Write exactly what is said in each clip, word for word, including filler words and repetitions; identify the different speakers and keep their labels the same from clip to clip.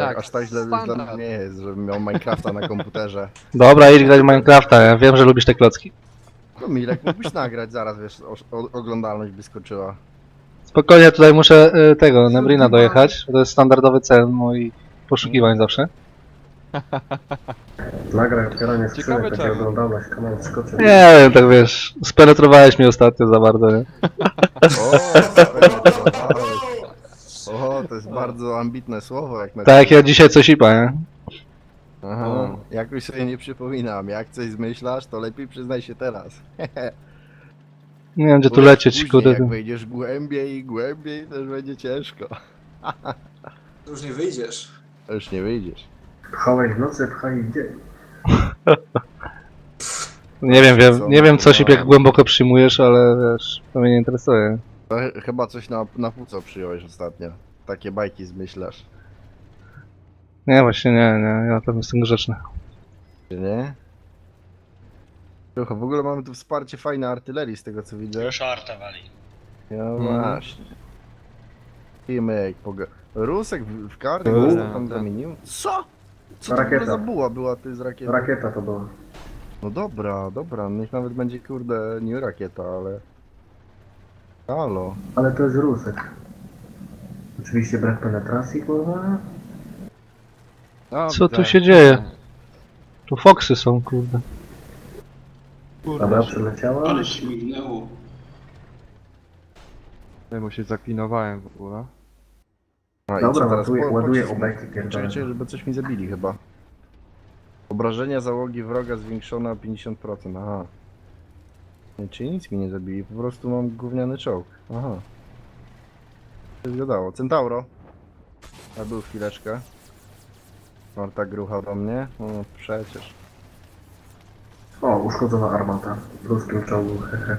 Speaker 1: tak,
Speaker 2: aż tak źle dla
Speaker 1: standard.
Speaker 2: mnie nie jest, żebym miał Minecrafta na komputerze.
Speaker 3: Dobra, idź grać w Minecrafta, ja wiem, że lubisz te klocki.
Speaker 2: No Milek, mógłbyś nagrać zaraz, wiesz, o, o, oglądalność by skoczyła.
Speaker 3: Spokojnie, tutaj muszę y, tego, Nebrina dojechać, bo to jest standardowy cel moich poszukiwań zawsze.
Speaker 4: Nagraj otwieranie
Speaker 1: Ciekawe
Speaker 4: skrzynek, takie
Speaker 1: czemu.
Speaker 4: oglądalność, kanał skoczy.
Speaker 3: Nie wiem, tak wiesz, spenetrowałeś mnie ostatnio za bardzo, nie?
Speaker 2: O, o, to jest bardzo ambitne słowo, jak na
Speaker 3: Tak jak ja dzisiaj coś ipa, nie?
Speaker 2: Aha, jakoś sobie nie przypominam. Jak coś zmyślasz, to lepiej przyznaj się teraz.
Speaker 3: Nie wiem, gdzie tu
Speaker 2: Bo
Speaker 3: lecieć,
Speaker 2: później,
Speaker 3: kurde.
Speaker 2: Jak wejdziesz głębiej i głębiej, też będzie ciężko.
Speaker 5: To już nie wyjdziesz.
Speaker 2: To już nie wyjdziesz.
Speaker 4: Pchałeś w nocy, pchaj w dzień.
Speaker 3: Nie wiem, wiem,
Speaker 2: Co?
Speaker 3: nie wiem co Sip, jak głęboko przyjmujesz, ale wiesz, to mnie nie interesuje.
Speaker 2: To ch- chyba coś na, na płuco przyjąłeś ostatnio. Takie bajki zmyślasz.
Speaker 3: Nie, właśnie nie, nie, ja tam jestem grzeczny.
Speaker 2: Czy nie? Słuchaj, w ogóle mamy tu wsparcie fajnej artylerii z tego co widzę.
Speaker 6: Już arta wali.
Speaker 2: No
Speaker 3: Mhm.
Speaker 2: właśnie. Filmek, poga... Rusek w, w kartę
Speaker 4: No,
Speaker 2: go
Speaker 1: tak,
Speaker 2: tam
Speaker 1: tak.
Speaker 2: zamienił? Co? Co to w ogóle
Speaker 4: Rakieta.
Speaker 2: za buła była ty z rakietą?
Speaker 4: Rakieta to była.
Speaker 2: No dobra, dobra, niech nawet będzie kurde nie rakieta, ale... Halo.
Speaker 4: Ale to jest rusek. Oczywiście brak penetracji, kurwa.
Speaker 1: No,
Speaker 3: Co tu
Speaker 1: widzę.
Speaker 3: się dzieje? Tu foksy są, kurde.
Speaker 4: Dobra, przyleciała.
Speaker 6: Ale śmignęło.
Speaker 1: Ja mu się zaklinowałem w ogóle.
Speaker 2: A, i
Speaker 4: Dobra,
Speaker 2: co teraz?
Speaker 4: ładuję-
Speaker 2: Po-
Speaker 4: ładuję
Speaker 2: pocisk-
Speaker 4: obeki pierdolone.
Speaker 2: Czekaj, czekaj, żeby coś mi zabili chyba. Obrażenia załogi wroga zwiększone o pięćdziesiąt procent, aha. Nie, czyli nic mi nie zabili, po prostu mam gówniany czołg. Aha. To się zgadało. Centauro. A był chwileczkę. Marta grucha do mnie. No przecież.
Speaker 4: O, uszkodzona armata. W ruskim czołgu, hehe.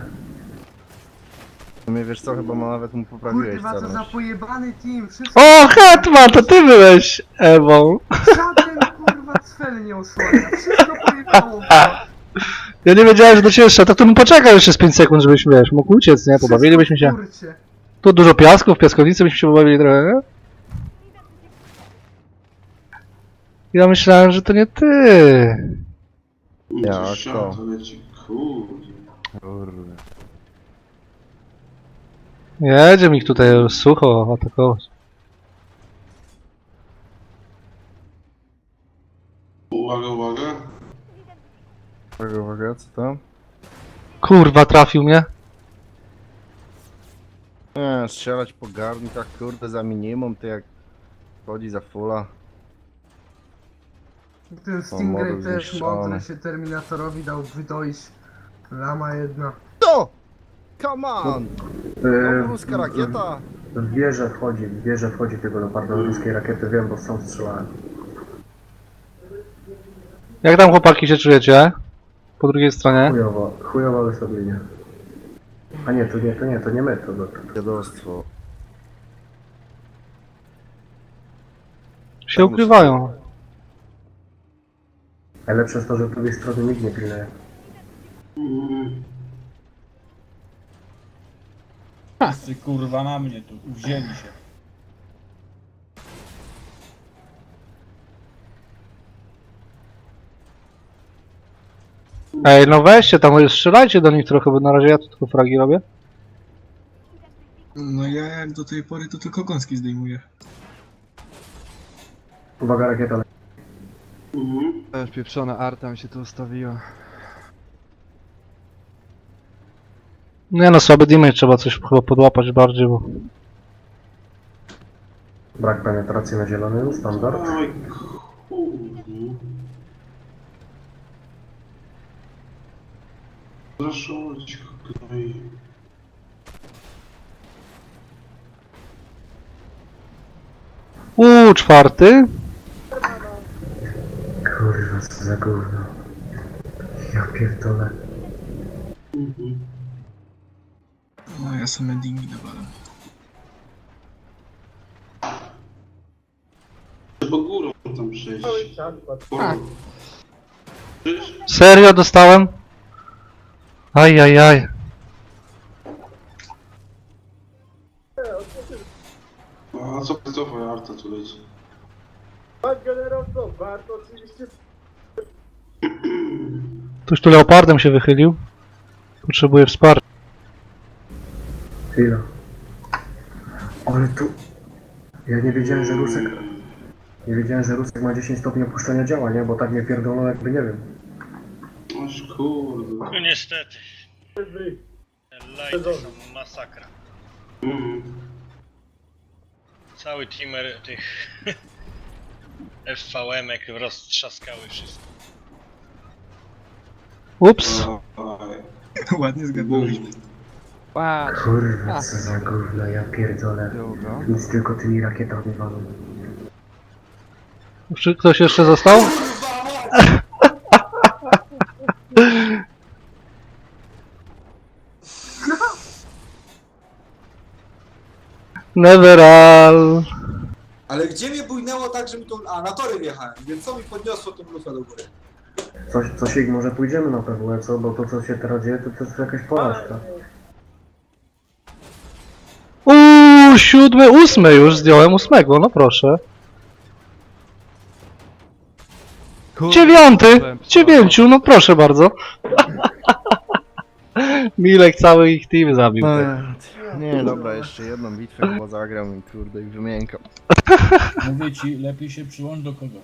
Speaker 2: W sumie wiesz co, chyba ma nawet mu poprawiłeś
Speaker 7: Kurwa, co za
Speaker 2: celność.
Speaker 7: pojebany team, wszystko
Speaker 3: O, Hetman, to ty byłeś Ewą.
Speaker 7: żaden kurwa cel nie osłania, wszystko pojebało.
Speaker 3: Ja nie wiedziałem, że do ciebie szedł, to bym poczekał jeszcze z pięć sekund, żebyśmy, wiesz, mógł uciec, nie? Pobawilibyśmy się.
Speaker 7: Kurcie.
Speaker 3: Tu dużo piasku, w piaskownicy byśmy się pobawili trochę, nie? Ja myślałem, że to nie ty.
Speaker 2: Jako.
Speaker 6: Jako. To leci, kurde.
Speaker 2: Kurde.
Speaker 3: Jedzie mi tutaj sucho atakować.
Speaker 6: Uwaga, uwaga.
Speaker 2: Uwaga, uwaga, co tam?
Speaker 3: Kurwa, trafił mnie.
Speaker 2: Nie, strzelać po garnkach, kurde, za minimum, to jak chodzi za fulla.
Speaker 7: Ten Stingray
Speaker 2: model
Speaker 7: też
Speaker 2: zniszczony.
Speaker 7: mądry się Terminatorowi dał wydojść. Lama jedna.
Speaker 2: To! Come on! No,
Speaker 4: Yy,
Speaker 2: ruska rakieta!
Speaker 4: W wieżę wchodzi, w wieżę wchodzi tego leoparda ruskiej rakiety, wiem, bo sam strzelałem.
Speaker 3: Jak tam chłopaki się czujecie? Po drugiej stronie?
Speaker 4: Chujowo, chujowo wysławienie. A nie, to nie, to nie, to nie my, to, to, to.
Speaker 2: Dziadostwo.
Speaker 3: Się ukrywają.
Speaker 4: Najlepsze jest to, że z drugiej strony nikt nie pilnuje.
Speaker 6: Mm.
Speaker 8: Pasy kurwa na mnie tu, wzięli się.
Speaker 3: Ej, no weźcie tam, strzelajcie do nich trochę, bo na razie ja tu tylko fragi robię.
Speaker 8: No ja jak do tej pory to tylko gąski zdejmuję.
Speaker 4: Uwaga, rakieta leci.
Speaker 6: Mhm.
Speaker 1: Też pieprzona arta mi się tu ustawiła.
Speaker 3: Nie no, słaby damage, trzeba coś chyba podłapać bardziej, bo...
Speaker 4: Brak penetracji na zielonym, standard.
Speaker 6: Oj, kurde. Zraszować, kraj.
Speaker 3: Uuu, czwarty?
Speaker 4: Kurwa, co za gówno. Ja pierdolę.
Speaker 6: Mhm.
Speaker 8: No ja same dingi nawalam.
Speaker 6: Trzeba górą tam przejść.
Speaker 8: A.
Speaker 6: Przecież
Speaker 3: Serio dostałem? Ajajaj.
Speaker 6: A co to twoja arta tu leci?
Speaker 2: Pan generał co? Warto oczywiście...
Speaker 3: Ktoś tu leopardem się wychylił. Potrzebuje wsparcia.
Speaker 4: Chwila. Ale tu... Ja nie wiedziałem, że Rusek... Nie wiedziałem, że Rusek ma dziesięć stopni opuszczenia działa, nie? Bo tak mnie pierdolą jakby nie wiem.
Speaker 6: Aż kurde.
Speaker 9: No niestety. Lighty są masakra.
Speaker 6: Mhm.
Speaker 9: Cały teamer tych F V M-ek roztrzaskały wszystko.
Speaker 3: Ups.
Speaker 6: Oj.
Speaker 5: Ładnie zgadłeś.
Speaker 1: Patrz,
Speaker 4: Kurwa, co za gówno, ja pierdolę.
Speaker 1: długo.
Speaker 4: Nic tylko tymi rakietami walą.
Speaker 3: Czy ktoś jeszcze został? Neveral.
Speaker 5: Ale gdzie mnie bujnęło tak, że mi to... A, na tory wjechałem, więc co mi podniosło tą lufę do góry?
Speaker 4: Coś, coś ich może pójdziemy na P W E, co? Bo to co się teraz dzieje, to, to jest jakaś porażka.
Speaker 3: Uuu, siódmy, ósmy już zdjąłem ósmego, no proszę.
Speaker 1: Kurde,
Speaker 3: Dziewiąty!
Speaker 1: byłem
Speaker 3: Dziewięciu, no proszę bardzo. Milek cały ich team zabił.
Speaker 2: Nie, dobra, jeszcze jedną bitwę chyba zagram i kurde i wymiękam.
Speaker 8: Mówię ci, lepiej się przyłącz do kogo.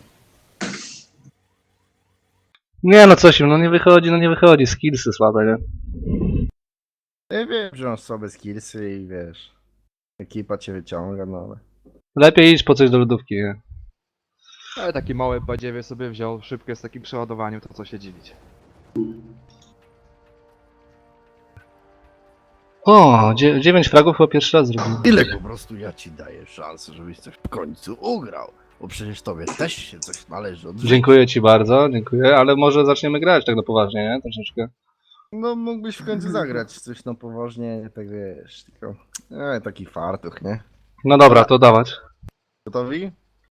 Speaker 3: Nie no coś im, no nie wychodzi, no nie wychodzi, skillsy słabe, nie?
Speaker 2: Ja wiem, że masz słabe skillsy i wiesz... Ekipa cię wyciąga, no ale...
Speaker 3: Lepiej iść po coś do lodówki, nie?
Speaker 1: Ale taki mały badziewie sobie wziął, szybkie z takim przeładowaniem, to co się dziwić.
Speaker 3: O, dzie dziewięć fragów chyba pierwszy raz zrobił.
Speaker 2: Ile po prostu ja ci daję szansę, żebyś coś w końcu ugrał. Bo przecież tobie też się coś należy od życia.
Speaker 3: Dziękuję ci bardzo, dziękuję, ale może zaczniemy grać tak na poważnie, nie? Troszeczkę.
Speaker 2: No mógłbyś w końcu zagrać coś na poważnie, tak wiesz, tylko... E, taki fartuch, nie?
Speaker 3: No dobra, to dawać.
Speaker 2: Gotowi?